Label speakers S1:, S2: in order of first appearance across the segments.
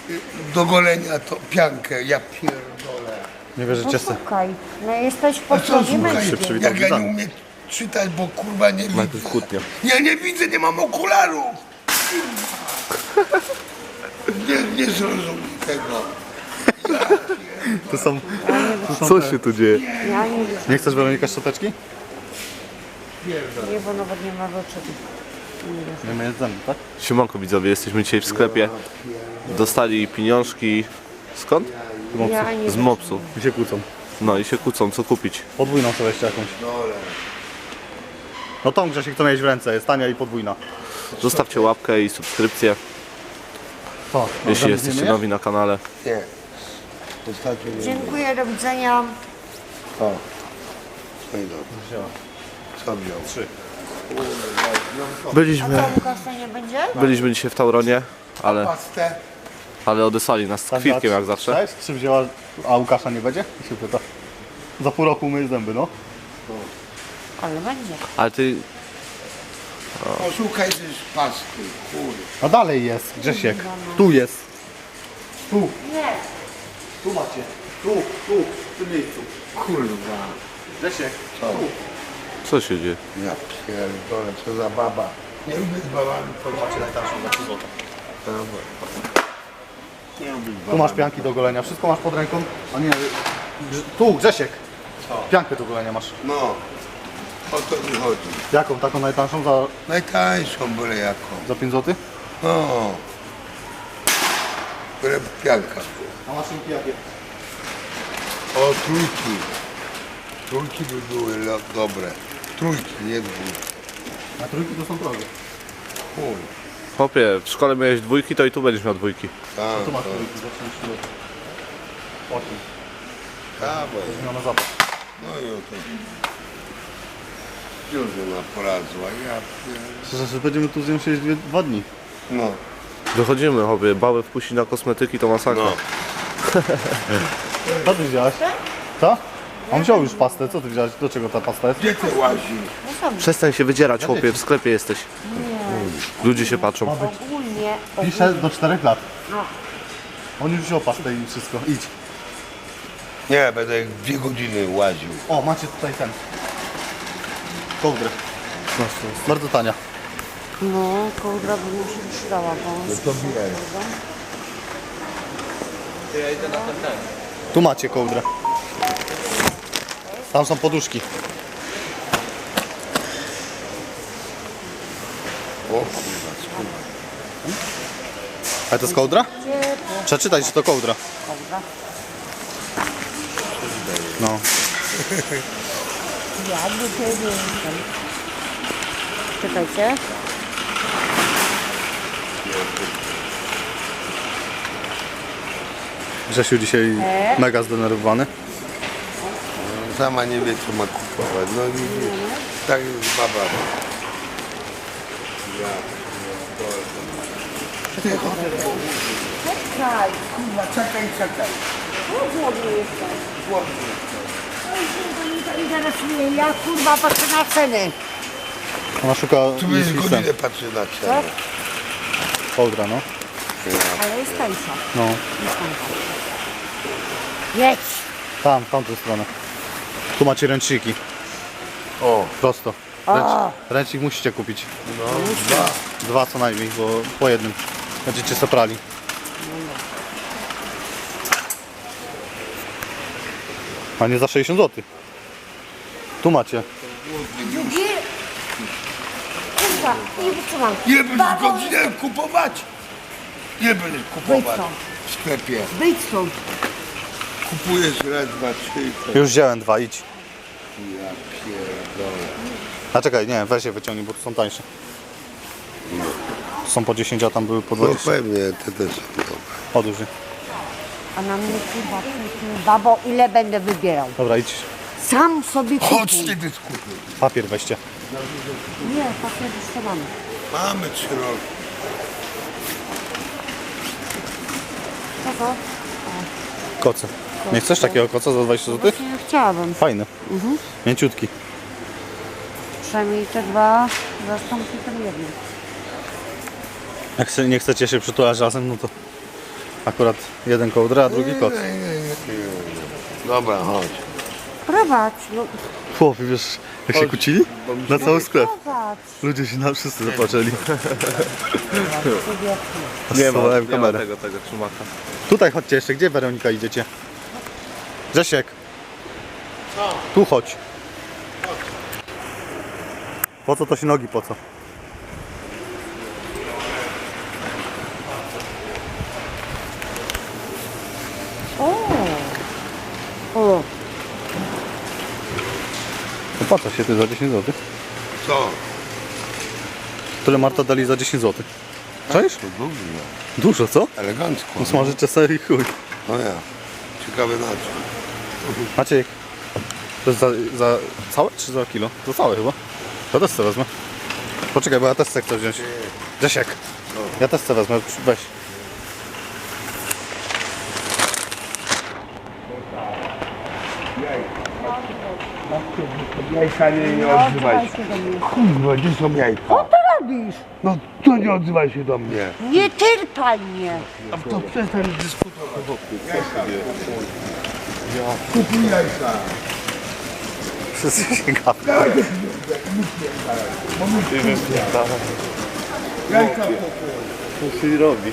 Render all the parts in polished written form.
S1: do golenia to piankę, ja pierdolę.
S2: Nie wierzycie se.
S3: Słuchaj, no jesteś w
S1: A co
S3: podstawie
S1: słuchaj,
S3: męskiej.
S2: przywitał
S1: jak ja nie
S2: widzami.
S1: umiem czytać, bo kurwa nie
S2: Najpierw
S1: widzę.
S2: kłótnia.
S1: Ja nie widzę, nie mam okularów. Nie zrozumiem tego.
S2: To są... Co się tu dzieje?
S3: Ja nie widzę,
S2: Nie chcesz, Weronika, szczoteczki?
S3: nie, bo nawet nie ma rzeczy.
S2: Nie my jedzemy, tak?
S4: Siemanko widzowie, jesteśmy dzisiaj w sklepie. Dostali pieniążki. Skąd?
S3: Ja nie
S4: Z Mopsu.
S2: I się kłócą.
S4: No i się kłócą, co kupić.
S2: Podwójną sobie jeszcze jakąś. No tą, Grzesiek, to miałeś w ręce, jest tania i podwójna.
S4: Zostawcie łapkę i subskrypcję,
S2: Co?
S4: jeśli jesteście nowi na kanale.
S1: Nie. Ostatnio nie.
S3: Dziękuję, do widzenia.
S1: O. No i dobrze. Co wziął?
S2: 3.
S4: Byliśmy,
S3: Kasa nie będzie?
S4: byliśmy dzisiaj w Tauronie,
S1: Pastę.
S4: ale odesłali nas z kwitkiem jak zawsze.
S2: Cześć, 3 wzięła, a Łukasza nie będzie? I się pyta. Za pół roku myj zęby, no.
S3: Ale będzie.
S4: Ale ty,
S1: Poszukaj też pasty, kurde.
S2: A dalej jest, Grzesiek. Tu jest. Tu.
S3: Nie.
S2: Tu macie. Tu, w tym miejscu.
S1: Kurwa.
S2: Grzesiek.
S4: co się dzieje?
S1: Ja pierdolę, co za baba. Nie lubię z babami
S2: Macie najtańszą za 3 zł.
S1: Nie lubię z
S2: Tu
S1: babami.
S2: masz pianki do golenia, wszystko masz pod ręką. A nie, tu, Grzesiek. Piankę do golenia masz.
S1: No. O to mi chodzi.
S2: Jaką? Taką najtańszą za,
S1: Najtańszą byle jaką.
S2: za 5 zł?
S1: No. Byle pianka.
S2: A maszynki jakie?
S1: O, trójki. Trójki by były dobre. Trójki, nie dwójki.
S2: A trójki to są drogie.
S1: Chuj.
S4: Chłopie, w szkole miałeś dwójki, to i tu będziesz miał dwójki.
S1: Tam,
S2: Tu masz
S1: to.
S2: trójki za 5 zł. 8.
S1: Dawaj.
S2: Zmiana zapach.
S1: No i oto. Już ona poradzła. Ja pierdolę.
S2: Że będziemy tu z nią siedzieć 2 dni.
S1: No.
S4: Wychodzimy, chłopie, bały wpuścić na kosmetyki to masakra.
S1: No.
S2: Co ty wziąłeś? Co? On wziął już pastę, co ty wziąłeś? Do czego ta pasta jest?
S1: Gdzie ty łazisz?
S4: Przestań się wydzierać, chłopie, w sklepie jesteś. Ludzie się patrzą.
S3: Ogólnie.
S2: Pisze do 4 lat.
S3: No.
S2: On już wziął pastę i wszystko. Idź.
S1: Nie, będę jak 2 godziny łaził.
S2: O, macie tutaj ten. Kołdrę. Bardzo tania.
S3: No, kołdra by mi się przydała, bo...
S1: To bierz.
S2: Tu macie kołdrę. Tam są poduszki.
S1: O kurwa, skurwa.
S2: A to jest kołdra? Przeczytaj, że to kołdra.
S3: Kołdra.
S2: No.
S3: Ja do ciebie. Czekajcie.
S2: Grzesiu dzisiaj mega zdenerwowany.
S1: Sama nie wie, co ma kupować. No widzisz, tak jest baba.
S3: Czekaj.
S1: Kurwa, czekaj, czekaj.
S3: Głodny jestem. To mnie to interesuje. Ja kurwa patrzę na ceny.
S2: Ona szuka
S1: Tu jest
S2: listem.
S1: godzinę patrzy na cenę.
S2: Kołdra, no.
S3: Ale jest tańsza.
S2: No.
S3: Jedź.
S2: Tam, w tamtą stronę. Tu macie ręczniki.
S1: O,
S2: Prosto. Ręcznik musicie kupić.
S1: no, 2.
S2: 2 co najmniej, bo po jednym będziecie soprali. A nie za 60 zł. Tu macie.
S3: Drugi. Kurwa, nie wytrzymam.
S1: Ile będziesz godzinę kupować? Ile będziesz
S3: Wyjdź
S1: kupować
S3: stąd.
S1: w sklepie?
S3: Wyjdź stąd.
S1: Kupujesz raz, dwa, trzy i to...
S2: Już wziąłem 2, idź.
S1: Ja pierdolę.
S2: A czekaj, nie, weź je wyciągnij, bo tu są tańsze. Tu są po 10, a tam były po
S1: No
S2: 20.
S1: pewnie, te też są dobre.
S2: Odłóż je.
S3: A na mnie kurwa przyjdźmy, babo, ile będę wybierał.
S2: Dobra, idź.
S3: Sam sobie
S1: Chodź
S3: kupuj.
S1: ty dyskutuj.
S2: Papier weźcie.
S3: Nie, papier już to mamy.
S1: Mamy 3 roki.
S3: Co to?
S2: Koce. Nie chcesz takiego koca za 20 zł?
S3: Nie chciałabym.
S2: Fajny. Mięciutki.
S3: Przynajmniej te dwa zastąpi ten jeden.
S2: Jak nie chcecie się przytulać razem, no to Akurat jeden kołdra, a drugi kot.
S1: Dobra, chodź.
S3: Prowadź, no
S2: Chłopie, wiesz jak się kłócili? Na cały sklep.
S3: prowadź.
S2: Ludzie się na wszyscy zapatrzyli.
S4: Nie ma
S2: Schowałem kamerę.
S4: tego szumaka.
S2: Tutaj chodźcie jeszcze, gdzie Weronika idziecie? Grzesiek. Tu chodź. Po co to się nogi, po co?
S3: O,
S2: No po co się ty za 10 zł?
S1: Co?
S2: Tyle Marta dali za 10 zł. Cześć?
S1: To dużo.
S2: Dużo, co?
S1: Elegancko.
S2: No smażycie sobie i chuj.
S1: No ja. Ciekawe na czym.
S2: Maciek, to jest za całe czy za kilo? Za całe chyba. Ja też chcę wezmę. Poczekaj, bo ja też chcę wziąć. Grzesiek, ja też chcę wezmę, weź.
S1: Jajka nie odzywaj się. Kurwa, gdzie są jajka?
S3: co ty robisz?
S1: No to nie odzywaj się do mnie.
S3: Nie tyrpaj mnie.
S1: A to przestań dyskutować wokół. Kupuj jajka.
S2: Wszyscy się gapią.
S1: Jajka.
S4: Co się robi?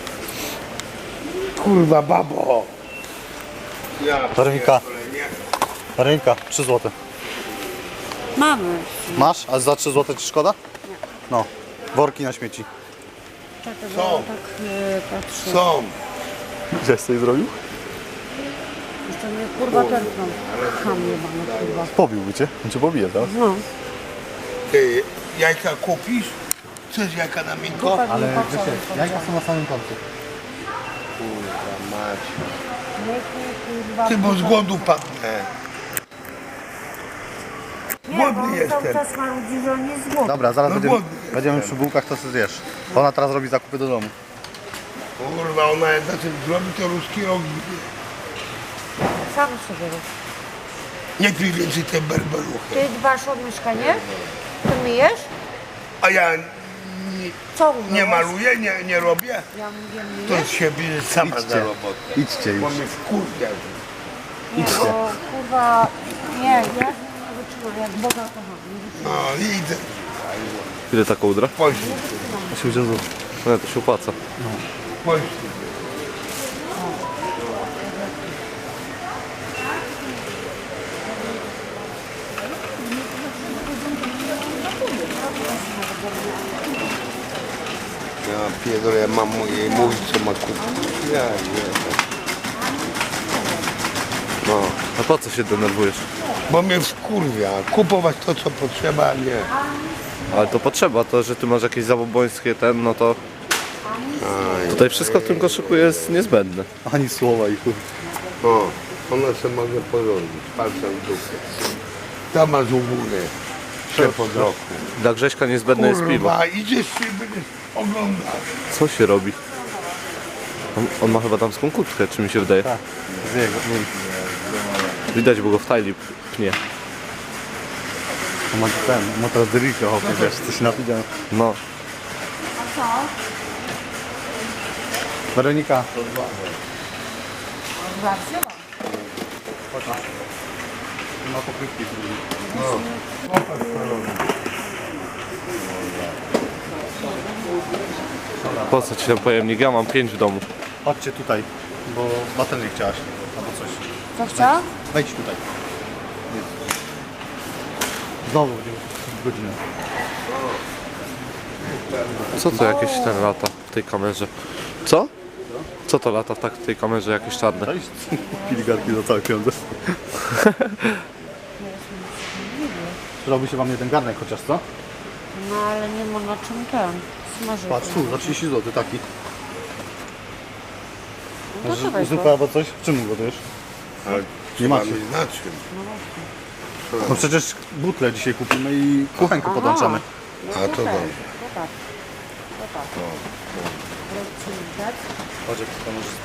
S1: Kurwa, babo.
S2: Weronika, Weronika, 3 zł.
S3: Mamy.
S2: Masz? A za 3 zł ci szkoda? No, worki na śmieci.
S3: Czekaj,
S1: Co?
S3: bo tak patrzę.
S1: Są.
S2: Gdzieś coś zrobił?
S3: Jeszcze mnie kurwa tętną. Ham jebany kurwa.
S2: Pobiłby cię, on cię pobije teraz.
S3: No.
S1: Ty jajka kupisz? Chcesz jajka na miękko?
S3: Ale
S2: jajka są na samym końcu.
S1: Kurwa mać.
S3: kurwa.
S1: Ty, bo z głodu padnę.
S3: Nie, bo
S1: głodny
S3: on
S1: jestem.
S3: cały czas marudzi, że on jest głodny.
S2: Dobra, zaraz
S1: No
S2: będziemy,
S1: głodny
S2: będziemy przy bułkach, to sobie zjesz. Ona teraz robi zakupy do domu.
S1: Kurwa, ona jak na tym zrobi, to ruski ogień.
S3: Sam sobie rób.
S1: Nie pij więcej te berberuchy.
S3: Ty dbasz o mieszkanie? Ty myjesz?
S1: A ja
S3: Co
S1: nie
S3: umyłeś?
S1: maluję, nie robię.
S3: Ja mówię
S1: To
S3: myjesz?
S1: się bierze sama za robotę.
S2: Idźcie
S1: Bo
S2: już.
S1: mnie wkurwia.
S3: Nie, bo kurwa... Nie, ja nie wytrzymam, jak Boga kocham. Nie wytrzymam.
S1: No idę.
S4: Ile ta kołdra?
S1: Poślij.
S2: 80 zł.
S4: No to się opłaca.
S1: Poślij. Ja pierdolę, ja mam jej mówić, co ma kupić. Ja nie. No,
S4: A po co się denerwujesz?
S1: bo mnie wkurwia. Kupować to, co potrzeba, a nie.
S4: Ale to potrzeba, to że ty masz jakieś zabobońskie no to tutaj wszystko w tym koszyku jest niezbędne.
S2: Ani słowa i chuj.
S1: O, ona się może porządzić. Palcem w dupę. Tam masz u góry. Szef od roku.
S4: Dla Grześka niezbędne jest piwo.
S1: Kurwa, idziesz i będziesz oglądać.
S4: Co się robi? On ma chyba damską kurtkę, czy mi się wydaje?
S2: Tak, z jego.
S4: Widać, bo go w tajli pnie.
S2: On ma ten, ma teraz delikę, hopie, wiesz, coś napidział.
S4: No,
S2: Weronika, ma pokrywki.
S4: po co ci ten pojemnik? Ja mam 5 w domu.
S2: Chodźcie tutaj, bo baterii chciałaś, albo coś.
S3: Co chciała?
S2: Wejdź tutaj. Znowu będziemy godzinę.
S4: Co to jakieś ten lata w tej kamerze? Co? Co to lata w tej kamerze jakieś czarne?
S2: Cześć, piligarki za całe pieniądze. Przydałby się wam jeden garnek chociaż, co?
S3: No ale nie ma na czym ten smażyć.
S2: Patrz tu, za 30 zł taki.
S3: No to weź
S2: Zupę
S3: go.
S2: albo coś? W czym gotujesz?
S1: Ale
S2: Nie
S1: trzeba
S2: macie.
S1: mieć na czym.
S2: No przecież butle dzisiaj kupimy i kuchenkę podłączamy.
S1: A to dobrze.
S3: To tak. To tak. Rozcinać.
S2: Chodź, jak to możesz...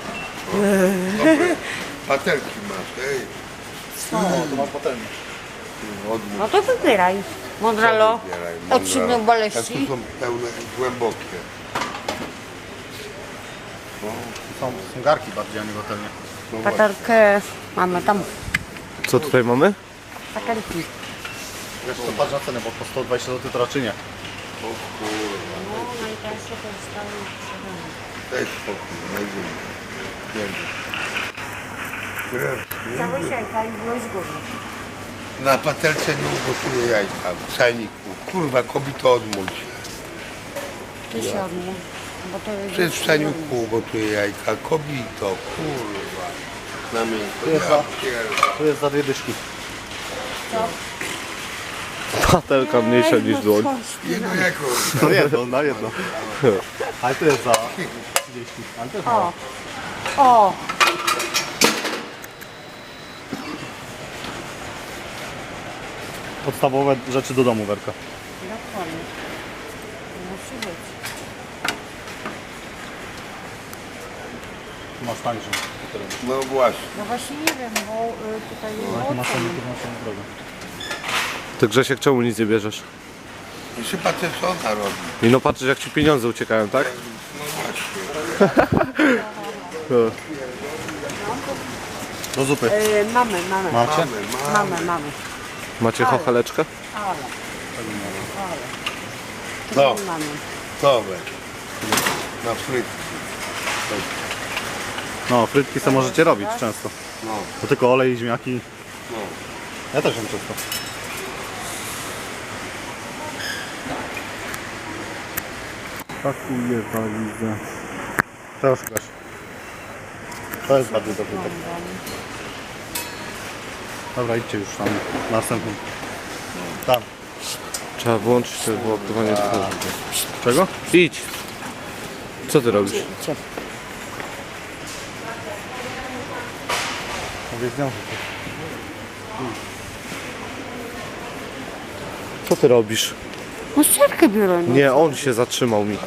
S1: Patelki masz, ej.
S2: to masz patelnię.
S3: No to wybieraj. Mądralo. Od 7
S1: Jak
S3: boleści.
S1: tu są pełne, głębokie.
S2: Są garki bardziej, a nie hotelnie.
S3: Patelkę mamy tam.
S4: Co tutaj mamy?
S3: Patelki.
S2: Wiesz co, patrz na cenę, bo po 120 zł to raczej nie.
S3: No, najtańsze to jest tam sprzedane.
S1: Daj spokój, najdziemy.
S3: Całe siajka i było z góry.
S1: Na patelce nie ugotuję jajka w czajniku. Kurwa, kobito odmóż.
S3: Ty się odmów, bo to jest...
S1: Przecież w czajniku ugotuję jajka. Kobito, kurwa. Na miękko.
S2: jest
S1: Ja
S2: za-
S1: pierdolę.
S2: Tu jest za 2 dyszki.
S4: Patelka mniejsza niż dłoń.
S1: Jedno jako.
S2: No jedno, na jedno. Ale to jest za 30. Ale to jest
S3: O! O!
S2: podstawowe rzeczy do domu, Werka.
S3: Dokładnie. Musi być.
S2: Tu masz tańszą.
S1: No właśnie.
S3: No właśnie nie wiem, bo tutaj jest
S2: Masz
S3: ocen.
S2: na drogę.
S4: Ty Grzesiek, czemu nic nie bierzesz?
S1: Jeszcze patrzę co ona robi.
S4: I no patrzysz jak ci pieniądze uciekają, tak?
S1: No właśnie.
S2: Do zupy.
S3: Mamy.
S2: Macie?
S3: Mamy.
S4: Macie chocheleczkę?
S3: Ale.
S1: No,
S3: Mamy.
S1: dobra. Na frytki.
S2: No, frytki sobie możecie robić często.
S1: No,
S2: To tylko olej i ziemniaki.
S1: no.
S2: Ja też jem często. Pakuję walizę. Teraz Gaś. To jest bardziej dobry tak. Dobra, idźcie już tam. Następny. Tam.
S4: Trzeba włączyć to wyładowanie twarzy.
S2: Czego?
S4: Idź! Co ty robisz?
S2: Mówię z nią.
S4: Co ty robisz?
S3: No ścierkę biorę. No.
S4: Nie, on się zatrzymał mi.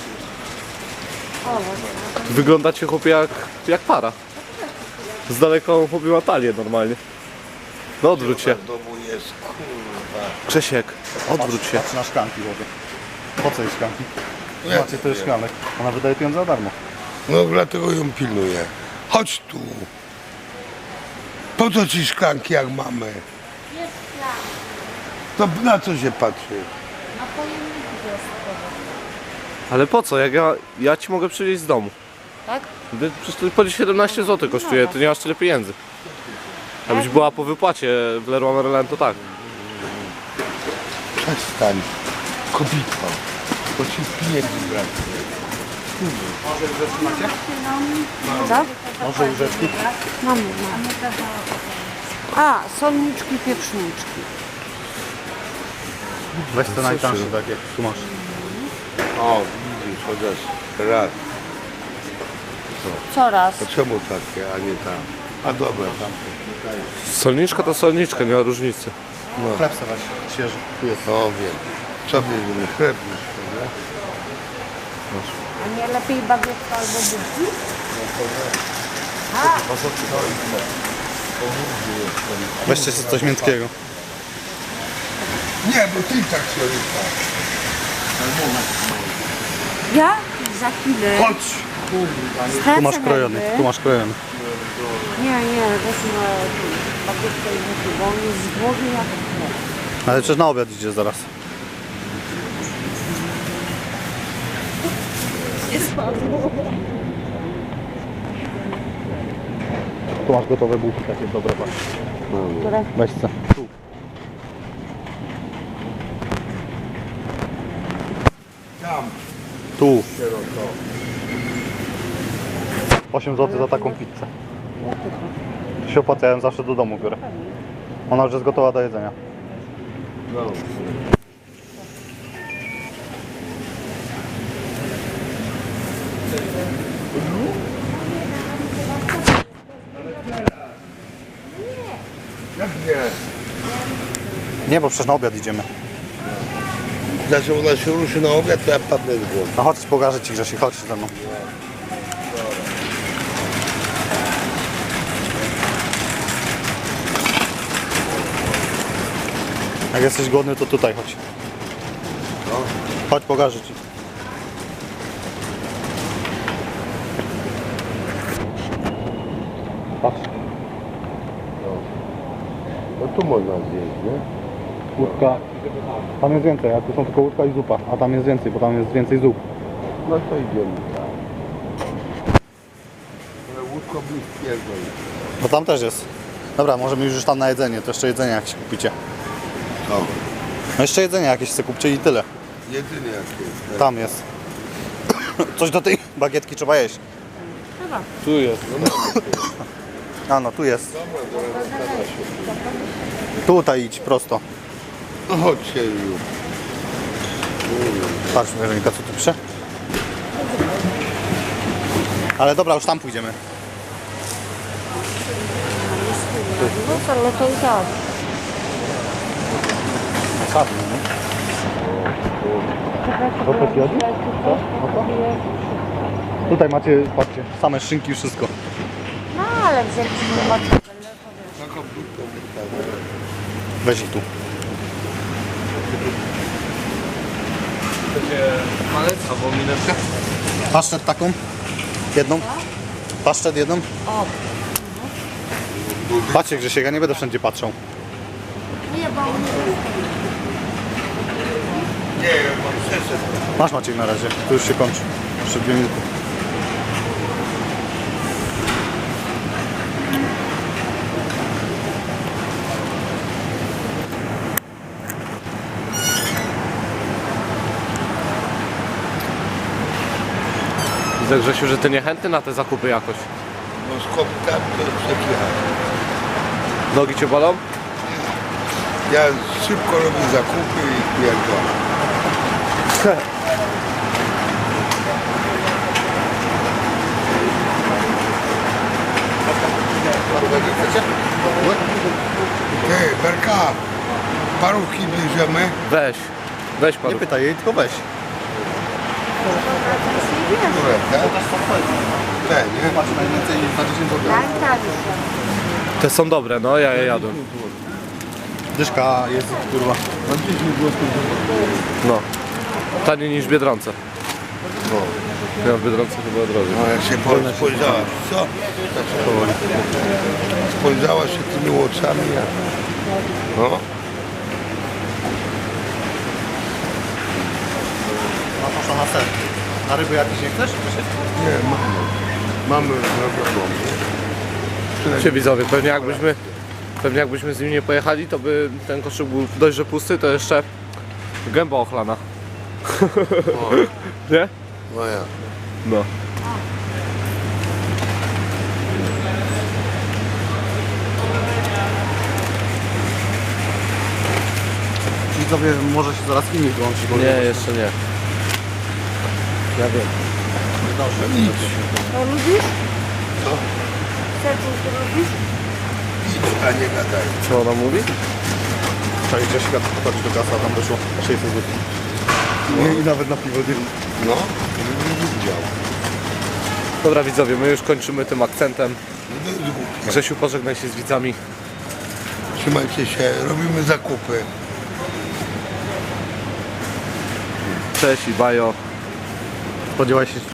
S4: Wyglądacie chłopie jak para. Z daleka on chłopie ma talię normalnie. No odwróć się.
S1: W domu jest, kurwa.
S4: Grzesiek, odwróć się.
S2: Patrz na szklanki wody. Po co jest szklanki?
S1: Jak
S2: Macie to jest szklanek. Ona wydaje pieniądze za darmo.
S1: No dlatego ją pilnuję. Chodź tu. Po co ci szklanki jak mamy? To na co się patrzy?
S4: Ale po co? Jak ja ci mogę przywieźć z domu.
S3: Tak?
S4: Przecież to po 17 zł kosztuje, ty nie masz tyle pieniędzy. Jakbyś była po wypłacie w Leroy Merlin, to tak.
S1: Przestań. Kobito. Bo ci pieniędzy brakuje.
S3: Co?
S2: Może łyżeczki?
S3: Mamy. A, solniczki, pieprzniczki.
S2: Weź te najtańsze, tak jak tu masz.
S1: O, widzisz, chociaż raz.
S3: Coraz.
S1: To czemu takie, a nie tam? A dobra, tam.
S4: Solniczka to solniczka, nie ma różnicy.
S2: Chleb sobie weź, świeży. Tu jest.
S1: No wiem. Co bierzemy? Chleb już, prawda?
S3: A nie lepiej bagietka albo budki?
S2: Weźcie sobie coś miękkiego.
S1: Nie, bo ty tak się rypa.
S3: Ja za chwilę.
S1: Chodź!
S2: Tu masz krojony, tu masz krojony.
S3: Nie, weźmy bagietkę i buty, bo on jest z głowy jak chleb.
S2: Ale przecież na obiad idzie zaraz. Tu masz gotowe bułki takie dobre, patrz.
S3: Które?
S2: Weź co.
S1: Tam.
S2: Tu. 8 zł za taką pizzę. To się opłaca, ja ją zawsze do domu biorę. Ona już jest gotowa do jedzenia.
S1: No. Jak nie?
S2: Nie, bo przecież na obiad idziemy.
S1: Znaczy ona się ruszy na obiad, to ja padnę z głowy.
S2: No chodź, pokażę ci Grzesiek, chodź ze mną. Jak jesteś głodny, to tutaj chodź.
S1: No.
S2: Chodź, pokażę ci. Patrz,
S1: No tu można zjeść, nie?
S2: łódka. Tam jest więcej, a tu są tylko łódka i zupa. A tam jest więcej, bo tam jest więcej zup.
S1: No to idziemy. Ale łódko bliskiego jest.
S2: Bo tam też jest. Dobra, możemy już tam na jedzenie, to jeszcze jedzenie jakieś kupicie.
S1: No,
S2: No jeszcze jedzenie jakieś sobie kupcie i tyle.
S1: jedynie jakieś.
S2: Tam jest. Coś do tej bagietki trzeba jeść.
S4: Tu jest.
S2: A no, tu jest. Tutaj idź prosto.
S1: No chodźcie już.
S2: Patrz, Weronika, co tu pisze? Ale dobra, już tam pójdziemy.
S3: No ale to i tak.
S2: Sadnie, nie? To też jodzi? Co? No to? Tutaj macie, patrzcie, same szynki i wszystko.
S3: No ale wzięliśmy matkę.
S1: Taką budkę
S2: Weź ich tu.
S4: Chcecie malec albo mineczkę?
S2: Paszczet taką? Jedną? Paszczet jedną?
S3: O,
S2: Patrzcie Grzesiek, ja nie będę wszędzie patrzał.
S3: nie, bo
S1: Nie, ja mam przeszedł.
S2: Masz Maciek na razie, to już się kończy. Jeszcze 2 minuty.
S4: Widzę, Grzesiu, że ty niechętny na te zakupy jakoś.
S1: No skąd tam to przepychać.
S4: Nogi cię bolą?
S1: Ja szybko robię zakupy i pierdolę. Ty, Berka, parówki bierzemy.
S4: Weź. Weź pan.
S2: Nie pytaj jej, tylko weź.
S1: Które, tak? Te, nie?
S2: Patrz, najwięcej za 10 zł.
S3: tak, tak.
S4: Te są dobre, no ja je jadłem.
S2: Dyszka jest, kurwa.
S4: No. Taniej niż w Biedronce.
S1: No,
S4: Ja w Biedronce chyba drożej.
S1: no jak się spojrzała, co? Tak się powoli. Spojrzała się tymi oczami, jak... No,
S2: No poszła na ser. A ryby jakieś nie chcesz? Grzesiek?
S1: nie, mamy. Mamy zrobioną.
S4: Się widzowie, pewnie jakbyśmy z nim nie pojechali, to by ten koszyk był dość, że pusty, to jeszcze gęba ochlana.
S1: O,
S4: Nie?
S1: no ja.
S4: No.
S2: Widzowie, może się zaraz filmik włączy. bo-
S4: Nie, jeszcze nie. Ja wiem.
S1: Idź,
S3: To lubisz?
S1: Co?
S3: Serce to lubisz?
S1: idź, a nie gadaj.
S4: Co ona mówi?
S2: Czekaj, Grzesiek, chodź do kasa, tam wyszło 600 zł. Nie, i nawet na piwo nie.
S1: No, nie widział.
S4: Dobra widzowie, my już kończymy tym akcentem.
S1: No to jest głupie.
S4: Grzesiu, pożegnaj się z widzami.
S1: Trzymajcie się, robimy zakupy.
S4: Cześć i bajo.
S2: Spodziewaj się